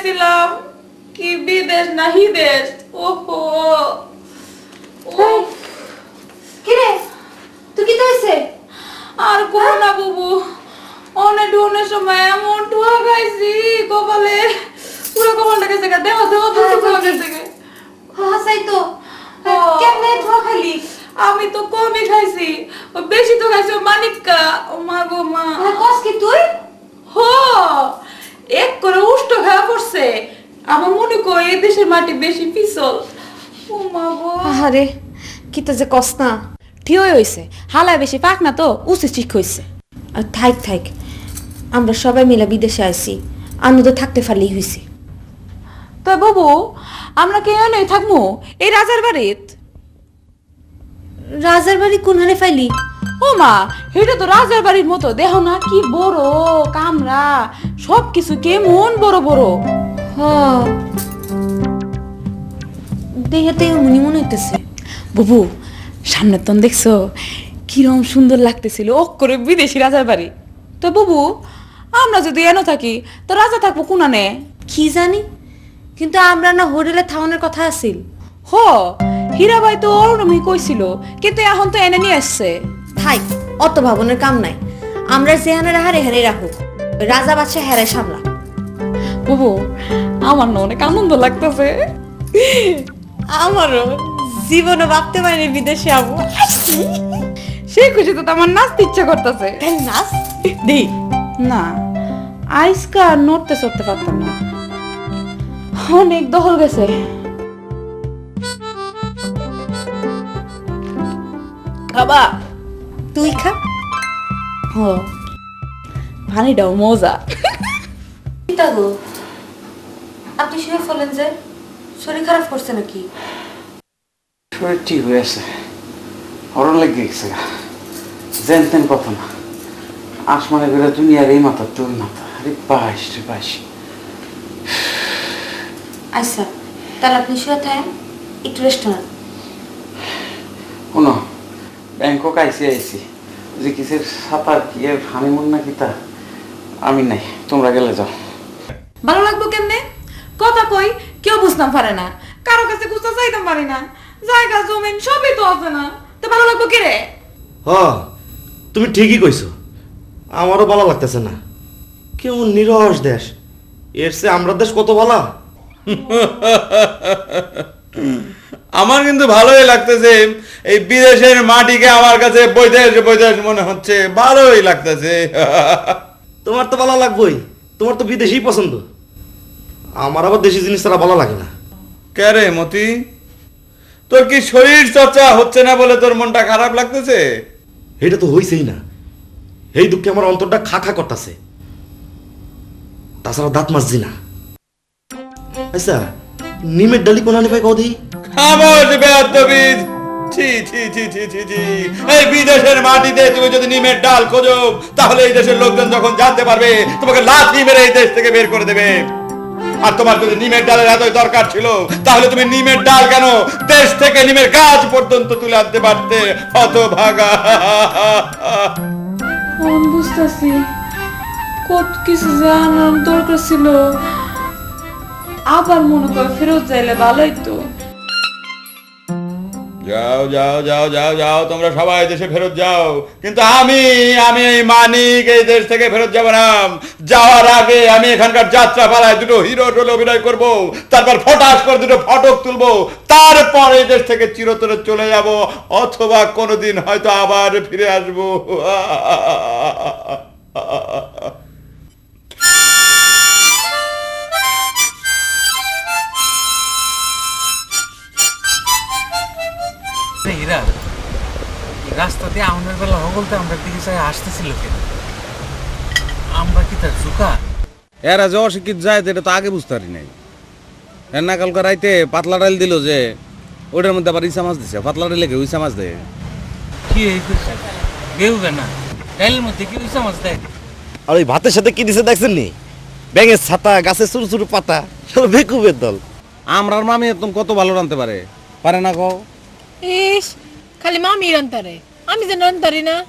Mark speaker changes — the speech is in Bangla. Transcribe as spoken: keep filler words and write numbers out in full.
Speaker 1: চাইছিলাম কি বিদেশ না হিদেশ। ওহো
Speaker 2: কি রে তুই কি হইছে?
Speaker 1: আর করো না বাবু, অনেক ডোনের সময় এমন ঠুয়া খাইছি কপালে, পুরো কপালটা গেছে গা, দেহ দেহ ঠুয়া গেছে গে।
Speaker 2: হাসাই তো কেমনে ধোয়া খালি?
Speaker 1: আমি তো কমই খাইছি, ও বেশি তো খাইছি ও মানিক্কা। ও মা গো মা,
Speaker 2: কস কি তুই?
Speaker 1: হো এক করে উষ্ট খাওয়া পড়ছে। আমার মনে কর এই দেশের মাটি বেশি পিছল। ও মা গো,
Speaker 2: আরে কি তো যে কস না।
Speaker 3: ঠিকই হইছে, হালায় বেশি পাক না তো উচিত ঠিক হইছে।
Speaker 2: আর থাক থাক, আমরা সবাই মিলে বিদেশে আইছি, আনন্দ থাকতে পারলেই হইছে।
Speaker 3: তো বাবু আমরা কে এনে থাকবো এই রাজার বাড়িত?
Speaker 2: রাজার বাড়ি কোন হারে ফাইলি?
Speaker 3: ও মা, এটা তো রাজার বাড়ির মতো, দেহ না কি বড় কামরা, সব কিছু কেমন বড় বড়।
Speaker 2: হ দেখাতে মনে মনে হইতেছে।
Speaker 3: বাবু সামনের তন দেখছো কিরম সুন্দর লাগতেছিল, ও করে বিদেশি রাজার বাড়ি। তো বাবু আমরা যদি এনে থাকি তো রাজা থাকবো কোনানে?
Speaker 2: কি জানি, কিন্তু আমরা না হোটেলে থাউনের কথা আছিল।
Speaker 3: হ হীরাবাই তো ওরমই কইছিল, কিন্তু এখন তো এনে নিয়ে আসছে।
Speaker 2: থাক, অত ভাবনের কাম নাই। আমরা যেহানে রাহা রেহানে রাখো, রাজা বাদশা হেরে সামলা।
Speaker 3: বাবু আমার না অনেক আনন্দ লাগতেছে।
Speaker 2: আমারও জীবনে ভাবতে পারিনি বিদেশে যাবো।
Speaker 3: সেই খুশিতে তো আমার নাচতে ইচ্ছা করতেছে।
Speaker 2: নাচ
Speaker 3: দি না, আইসকা নড়তে চড়তে পারতাম না, অনেক দহল গেছে।
Speaker 2: খাবা? তুই খা।
Speaker 3: হ ভানিটাও মজা।
Speaker 2: গো আপনি শুয়ে ফেলেন যে, শরীর খারাপ করছে নাকি?
Speaker 4: শরীর ঠিক হয়ে আছে, হরণ লেগে গেছে, জেন তেন কথা না। আসমানে বেরো দুনিয়ার এই মাথা তোর মাথা, আরে বাইশ রে বাইশ।
Speaker 2: আচ্ছা তাহলে আপনি শুয়ে থাকেন, একটু রেস্ট নেন।
Speaker 4: কোনো ব্যাংকক আইসি আইসি যে কিসের সাঁতার কি এর হানিমুন নাকি তা আমি নাই, তোমরা গেলে যাও।
Speaker 3: ভালো লাগবো কেমনে? কথা কই কেউ বুঝতাম পারে না, কারো কাছে গুছা চাইতাম পারি না, জায়গা জমিন সবই তো আছে না, তো ভালো লাগবো কে রে?
Speaker 5: হ তুমি ঠিকই কইছো, আমারও ভালো লাগতেছে না। কেমন নিরস দেশ, এর চেয়ে আমরা দেশ কত ভালো।
Speaker 6: আমার কিন্তু ভালোই লাগতেছে, এই বিদেশের মাটিকে আমার কাছে বৈদেশ বৈদেশ মনে হচ্ছে, ভালোই লাগতেছে।
Speaker 5: তোমার তো ভালো লাগবেই, তোমার তো বিদেশি পছন্দ। আমার আবার দেশি জিনিস ছাড়া ভালো লাগে না।
Speaker 6: কে রে মতি, তোর কি শরীর চর্চা হচ্ছে না বলে তোর মনটা খারাপ লাগতেছে?
Speaker 5: এটা তো হইছেই না, এই দুঃখে আমার অন্তরটা খা খা করতেছে, তাছাড়া দাঁত মাজছি না। আচ্ছা নিমের ডালি কোন আনি ভাই কদি?
Speaker 6: খামোশ বেয়াদবিদ, ছি ছি ছি ছি ছি ছি। এই বিদেশের মাটিতে তুমি যদি নিমের ডাল খোঁজো, তাহলে এই দেশের লোকজন যখন জানতে পারবে তোমাকে লাথি মেরে এই দেশ থেকে বের করে দেবে। আর তোমার যদি নিমের ডালের এতই দরকার ছিল, তাহলে তুমি নিমের ডাল কেন দেশ থেকে নিমের গাছ পর্যন্ত তুলে আনতে পারতে, হতভাগা।
Speaker 1: আমি বুঝতেছি কত কিছু জানার দরকার ছিল, আবার মনে করে ফেরত যাইলে ভালোই তো।
Speaker 6: যাও যাও যাও যাও যাও, তোমরা সবাই দেশে ফেরত যাও, কিন্তু আমি আমি এই মানিক এই দেশ থেকে ফেরত যাব না। যাওয়ার আগে আমি এখানকার যাত্রা পালায় দুটো হিরো রোলে অভিনয় করব, তারপর ফটাস করে দুটো ফটক তুলবো, তারপর এই দেশ থেকে চিরতরে চলে যাব, অথবা কোনোদিন হয়তো আবার ফিরে আসবো।
Speaker 7: এরা রাস্তাতে আমাদের বেলা হগলতে আমরা দিকে চাই আসতেছিল কেন? আমরা কি তার চুকা?
Speaker 8: এরা যে অশিক্ষিত যায় এটা তো আগে বুঝতে পারি নাই। এর না কালকে রাইতে পাতলা ডাল দিল যে ওটার মধ্যে আবার ইসা মাছ দিছে, পাতলা ডালে কেউ ইসা মাছ দেয়
Speaker 7: কি এই কেউ না ডাইলের মধ্যে কি ইসা মাছ দেয়?
Speaker 5: আর ওই ভাতের সাথে কি দিছে দেখছেন নি? ব্যাঙের ছাতা, গাছের ছোট ছোট পাতা, সব বেকুবের দল।
Speaker 8: আমরার মামি একদম কত ভালো রানতে পারে, পারে না কও?
Speaker 9: ইস খালি মামি রান্তারে, আমি যে রান্তারি না।